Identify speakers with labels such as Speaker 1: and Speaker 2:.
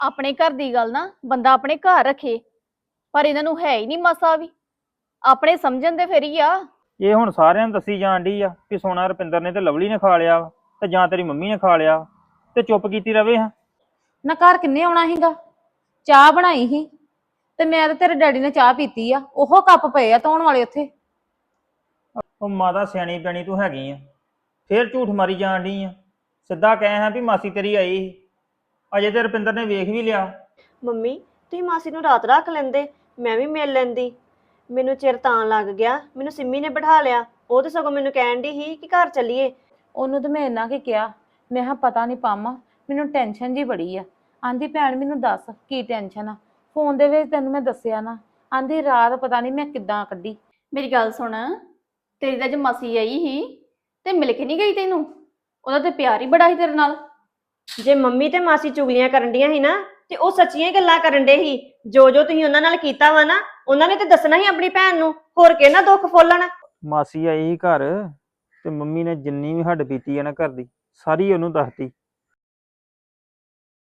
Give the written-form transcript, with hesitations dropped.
Speaker 1: ਆਪਣੇ ਘਰ ਦੀ ਗੱਲ ਨਾ ਬੰਦਾ ਆਪਣੇ ਘਰ ਰੱਖੇ, ਪਰ ਇਹਨਾਂ ਨੂੰ ਹੈ ਹੀ ਨਹੀਂ ਮਸਾ ਵੀ। ਆਪਣੇ ਸਮਝਣ ਦੇ ਫਿਰ ਹੀ ਆ।
Speaker 2: ਇਹ ਹੁਣ ਸਾਰਿਆਂ ਨੂੰ ਦੱਸੀ ਜਾਣ ਡਈ ਆ ਕਿ ਸੋਨਾ ਰੁਪਿੰਦਰ ਨੇ ਤੇ ਲਵਲੀ ਨੇ ਖਾ ਲਿਆ ਵਾ, ਤੇ ਜਾਂ ਤੇਰੀ ਮੰਮੀ ਨੇ ਖਾ ਲਿਆ ਵਾ, ਤੇ ਚੁੱਪ ਕੀਤੀ ਰਵੇ ਹਾਂ।
Speaker 3: ਨਾ ਘਰ ਕਿੰਨੇ ਆਉਣਾ ਸੀਗਾ? ਚਾਹ ਬਣਾਈ ਸੀ ਤੇ ਮੈਂ ਤੇ ਤੇਰੇ ਡੈਡੀ ਨੇ ਚਾਹ ਪੀਤੀ ਆ, ਉਹ ਕੱਪ ਪਏ ਆ ਧੋਣ ਵਾਲੇ ਉੱਥੇ।
Speaker 2: ਉਹ ਮਾਤਾ ਸਿਆਣੀ ਪੈਣੀ ਤੂੰ ਹੈਗੀ ਆ, ਫੇਰ ਝੂਠ ਮਾਰੀ ਜਾਣ ਡਈ ਆ। ਸਿੱਧਾ ਕਹਿ ਹਾਂ ਵੀ ਮਾਸੀ ਤੇਰੀ ਆਈ ਸੀ, ਅਜੇ ਤੇ ਰੁਪਿੰਦਰ ਨੇ ਵੇਖ ਵੀ ਲਿਆ।
Speaker 4: ਮੰਮੀ ਤੁਸੀਂ ਮਾਸੀ ਨੂੰ ਰਾਤ ਰੱਖ ਲੈਂਦੇ, ਮੈਂ ਵੀ ਮਿਲ ਲੈਂਦੀ। ਮੈਨੂੰ ਚਿਰ ਤਾਂ ਲੱਗ ਗਿਆ, ਮੈਨੂੰ ਸਿੰਮੀ ਨੇ ਬਿਠਾ ਲਿਆ। ਉਹ ਤੇ ਸਗੋਂ ਮੈਨੂੰ ਕਹਿਣ ਦੀ ਸੀ ਕਿ ਘਰ ਚੱਲੀਏ।
Speaker 3: ਉਹਨੂੰ ਤੇ ਮੈਂ ਇੰਨਾ ਕੀ ਕਿਹਾ, ਮੈਂ ਕਿਹਾ ਪਤਾ ਨਹੀਂ ਪਾਮਾ, ਮੈਨੂੰ ਟੈਨਸ਼ਨ ਜੀ ਬੜੀ ਆ। ਆਂਦੀ ਭੈਣ ਮੈਨੂੰ ਦੱਸ ਕੀ ਟੈਨਸ਼ਨ ਆ? ਫੋਨ ਦੇ ਵਿੱਚ ਤੈਨੂੰ ਮੈਂ ਦੱਸਿਆ ਨਾ। ਆਂਦੀ ਰਾਤ ਪਤਾ ਨਹੀਂ ਮੈਂ ਕਿੱਦਾਂ ਕੱਢੀ।
Speaker 1: ਮੇਰੀ ਗੱਲ ਸੁਣ, ਤੇਰੀ ਤਾਂ ਜੇ ਮਾਸੀ ਆਈ ਸੀ ਤੇ ਮਿਲ ਕੇ ਨਹੀਂ ਗਈ ਤੈਨੂੰ? ਉਹਦਾ ਤੇ ਪਿਆਰ ਹੀ ਬੜਾ ਸੀ ਤੇਰੇ ਨਾਲ।
Speaker 4: ਜੇ ਮੰਮੀ ਤੇ ਮਾਸੀ ਚੁਗਲੀਆਂ ਕਰਨ ਡੀਆਂ ਸੀ ਨਾ, ਤੇ ਉਹ ਸੱਚੀਆਂ ਹੀ ਗੱਲਾਂ ਕਰਨ ਡੇ ਸੀ। ਜੋ ਜੋ ਤੁਸੀਂ ਉਹਨਾਂ ਨਾਲ ਕੀਤਾ ਵਾ ਨਾ, ਉਹਨਾਂ ਨੇ ਤੇ ਦੱਸਣਾ ਹੀ ਆਪਣੀ ਭੈਣ ਨੂੰ, ਹੋਰ ਕਿਹਨਾਂ ਦੁੱਖ ਫੋਲਣ।
Speaker 2: ਮਾਸੀ ਆਈ ਸੀ ਘਰ, ਤੇ ਮੰਮੀ ਨੇ ਜਿੰਨੀ ਵੀ ਹੱਡ ਪੀਤੀ ਆ ਨਾ ਘਰ ਦੀ, ਸਾਰੀ ਉਹਨੂੰ ਦੱਸਤੀ।